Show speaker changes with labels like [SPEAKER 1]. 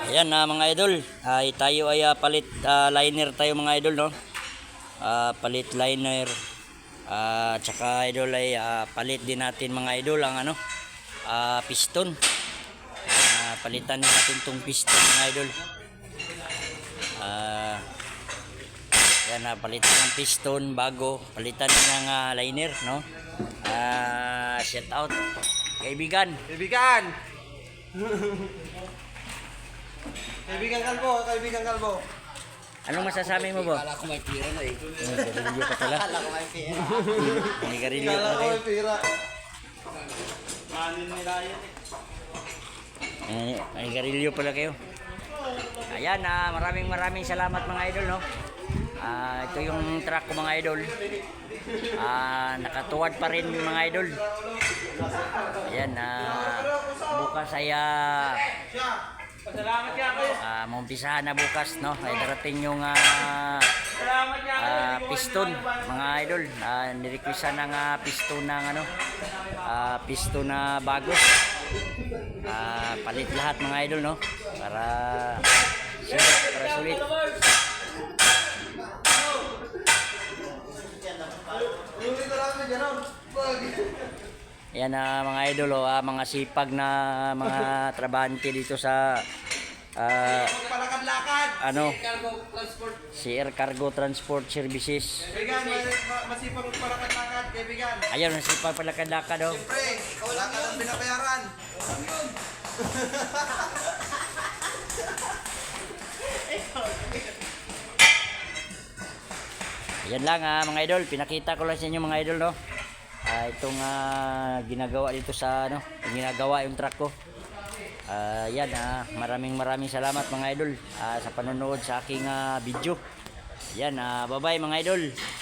[SPEAKER 1] Ayan mga idol, ay tayo ay palit liner tayo mga idol, no. Palit liner, tsaka idol ay palit din natin mga idol ang ano, piston. Palitan din natin tong piston mga idol. Yan, palitan ng piston bago, palitan din ng liner, no. Shout out kaibigan.
[SPEAKER 2] Kaibigan Kalbo.
[SPEAKER 1] Anong masasabi mo ba?
[SPEAKER 3] Kala ko may pira na eh.
[SPEAKER 1] Garilyo ka pala.
[SPEAKER 3] Kala ko may pira.
[SPEAKER 1] May garilyo
[SPEAKER 2] Kala
[SPEAKER 1] pala
[SPEAKER 2] ko
[SPEAKER 1] kayo.
[SPEAKER 2] may pira. Manin nila yun
[SPEAKER 1] May garilyo pala kayo. Ayan, maraming salamat mga idol, no. Ito yung truck ko mga idol. Nakatuwad pa rin mga idol. Ayan, bukas ay
[SPEAKER 2] Salamat ka kayo.
[SPEAKER 1] maumpisahan na bukas, no. Ay darating yung piston mga idol. Nirequestan ng piston ng ano, piston na bago. Palit lahat mga idol, no, para sulit. Yan mga idol, mga sipag na mga trabahante dito sa
[SPEAKER 2] Palakad-lakad.
[SPEAKER 1] ano,
[SPEAKER 3] Cargo transport.
[SPEAKER 1] CR Cargo Transport Services.
[SPEAKER 2] Kaibigan, masipag palakad-lakad, kaibigan.
[SPEAKER 1] Ayun, sipag palakad-lakad, oh.
[SPEAKER 2] Pre, wala ka lang binabayaran.
[SPEAKER 1] Yan lang mga idol, pinakita ko lang sa inyo mga idol, no. Itong ginagawa dito sa ano, ginagawa yung truck ko. Yan, maraming salamat mga idol sa panonood sa aking video. Yan, bye bye mga idol.